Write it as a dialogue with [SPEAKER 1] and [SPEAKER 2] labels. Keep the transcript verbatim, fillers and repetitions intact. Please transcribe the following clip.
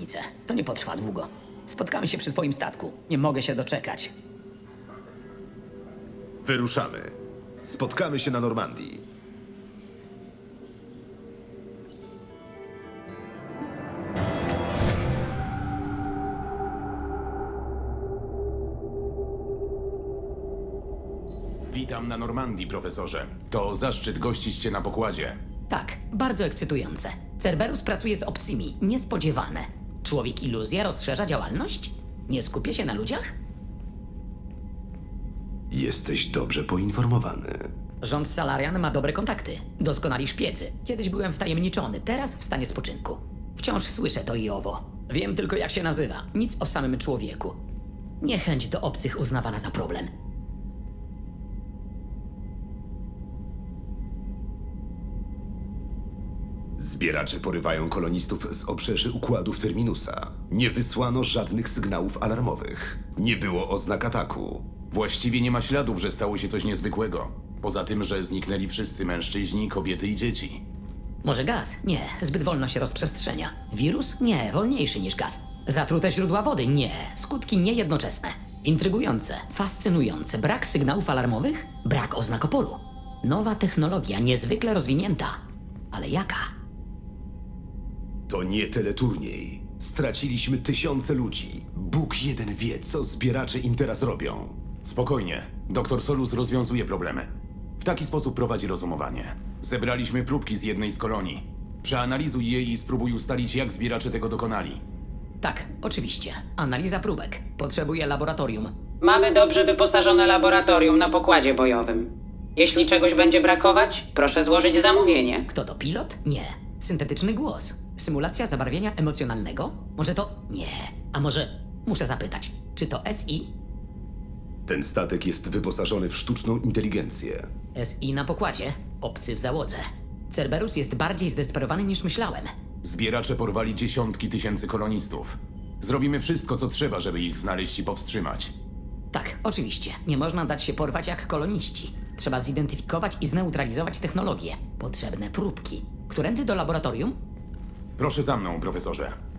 [SPEAKER 1] obietnicę. To nie potrwa długo. Spotkamy się przy twoim statku. Nie mogę się doczekać.
[SPEAKER 2] Wyruszamy. Spotkamy się na Normandii.
[SPEAKER 3] Witam na Normandii, profesorze. To zaszczyt gościć cię na pokładzie.
[SPEAKER 1] Tak, bardzo ekscytujące. Cerberus pracuje z obcymi. Niespodziewane. Człowiek iluzja rozszerza działalność? Nie skupia się na ludziach?
[SPEAKER 2] Jesteś dobrze poinformowany.
[SPEAKER 1] Rząd Salarian ma dobre kontakty. Doskonali szpiecy. Kiedyś byłem wtajemniczony, teraz w stanie spoczynku. Wciąż słyszę to i owo. Wiem tylko, jak się nazywa. Nic o samym człowieku. Niechęć do obcych uznawana za problem.
[SPEAKER 2] Zbieracze porywają kolonistów z obrzeży układów Terminusa. Nie wysłano żadnych sygnałów alarmowych. Nie było oznak ataku.
[SPEAKER 3] Właściwie nie ma śladów, że stało się coś niezwykłego. Poza tym, że zniknęli wszyscy mężczyźni, kobiety i dzieci.
[SPEAKER 1] Może gaz? Nie, zbyt wolno się rozprzestrzenia. Wirus? Nie, wolniejszy niż gaz. Zatrute źródła wody? Nie, skutki niejednoczesne. Intrygujące, fascynujące. Brak sygnałów alarmowych? Brak oznak oporu. Nowa technologia, niezwykle rozwinięta. Ale jaka?
[SPEAKER 2] To nie teleturniej. Straciliśmy tysiące ludzi. Bóg jeden wie, co zbieracze im teraz robią.
[SPEAKER 3] Spokojnie. Doktor Solus rozwiązuje problemy. W taki sposób prowadzi rozumowanie. Zebraliśmy próbki z jednej z kolonii. Przeanalizuj je i spróbuj ustalić, jak zbieracze tego dokonali.
[SPEAKER 1] Tak, oczywiście. Analiza próbek. Potrzebuję laboratorium.
[SPEAKER 4] Mamy dobrze wyposażone laboratorium na pokładzie bojowym. Jeśli czegoś będzie brakować, proszę złożyć zamówienie.
[SPEAKER 1] Kto to, pilot? Nie. Syntetyczny głos. Symulacja zabarwienia emocjonalnego? Może to... Nie. A może... Muszę zapytać. Czy to S I?
[SPEAKER 2] Ten statek jest wyposażony w sztuczną inteligencję.
[SPEAKER 1] S I na pokładzie. Obcy w załodze. Cerberus jest bardziej zdesperowany niż myślałem.
[SPEAKER 3] Zbieracze porwali dziesiątki tysięcy kolonistów. Zrobimy wszystko, co trzeba, żeby ich znaleźć i powstrzymać.
[SPEAKER 1] Tak, oczywiście. Nie można dać się porwać jak koloniści. Trzeba zidentyfikować i zneutralizować technologię. Potrzebne próbki. Którędy do laboratorium?
[SPEAKER 3] Proszę za mną, profesorze.